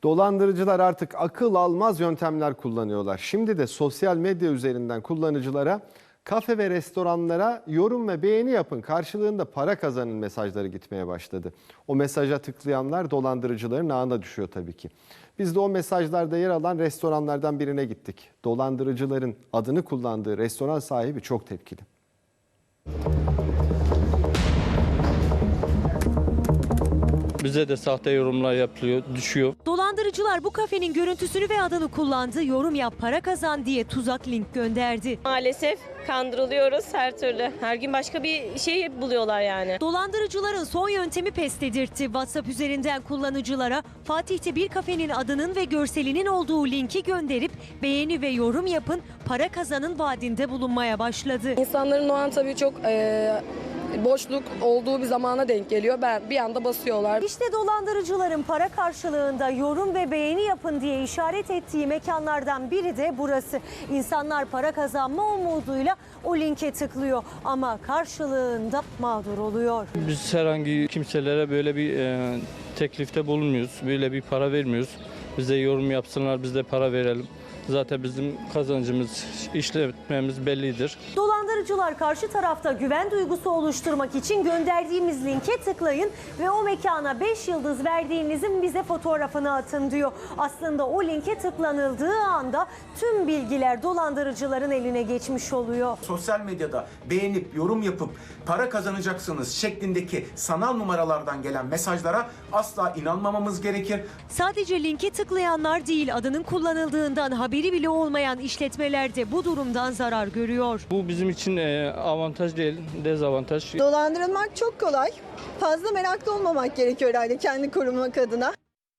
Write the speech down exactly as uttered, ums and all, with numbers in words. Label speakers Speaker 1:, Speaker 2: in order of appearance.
Speaker 1: Dolandırıcılar artık akıl almaz yöntemler kullanıyorlar. Şimdi de sosyal medya üzerinden kullanıcılara kafe ve restoranlara yorum ve beğeni yapın, karşılığında para kazanın mesajları gitmeye başladı. O mesaja tıklayanlar dolandırıcıların ağına düşüyor tabii ki. Biz de o mesajlarda yer alan restoranlardan birine gittik. Dolandırıcıların adını kullandığı restoran sahibi çok tepkili.
Speaker 2: Bize de sahte yorumlar yapılıyor, düşüyor.
Speaker 3: Dolandırıcılar bu kafenin görüntüsünü ve adını kullandı, yorum yap para kazan diye tuzak link gönderdi.
Speaker 4: Maalesef kandırılıyoruz her türlü. Her gün başka bir şey buluyorlar yani.
Speaker 3: Dolandırıcıların son yöntemi pes dedirtti. WhatsApp üzerinden kullanıcılara Fatih'te bir kafenin adının ve görselinin olduğu linki gönderip beğeni ve yorum yapın, para kazanın vaadinde bulunmaya başladı.
Speaker 5: İnsanların o an tabii çok e, boşluk olduğu bir zamana denk geliyor. Ben bir anda basıyorlar.
Speaker 3: İşte dolandırıcıların para karşılığında yorum ve beğeni yapın diye işaret ettiği mekanlardan biri de burası. İnsanlar para kazanma umuduyla o linke tıklıyor ama karşılığında mağdur oluyor.
Speaker 2: Biz herhangi kimselere böyle bir e, teklifte bulunmuyoruz. Böyle bir para vermiyoruz. Bize yorum yapsınlar, biz de para verelim. Zaten bizim kazancımız, işletmemiz bellidir.
Speaker 3: Dolandırıcılar karşı tarafta güven duygusu oluşturmak için gönderdiğimiz linke tıklayın ve o mekana beş yıldız verdiğinizin bize fotoğrafını atın diyor. Aslında o linke tıklanıldığı anda tüm bilgiler dolandırıcıların eline geçmiş oluyor.
Speaker 6: Sosyal medyada beğenip yorum yapıp para kazanacaksınız şeklindeki sanal numaralardan gelen mesajlara asla inanmamamız gerekir.
Speaker 3: Sadece linke tıklayanlar değil, adının kullanıldığından haberi bile olmayan işletmeler de bu durumdan zarar görüyor.
Speaker 2: Bu bizim için e, avantaj değil, dezavantaj.
Speaker 7: Dolandırılmak çok kolay. Fazla meraklı olmamak gerekiyor herhalde kendi korumak adına.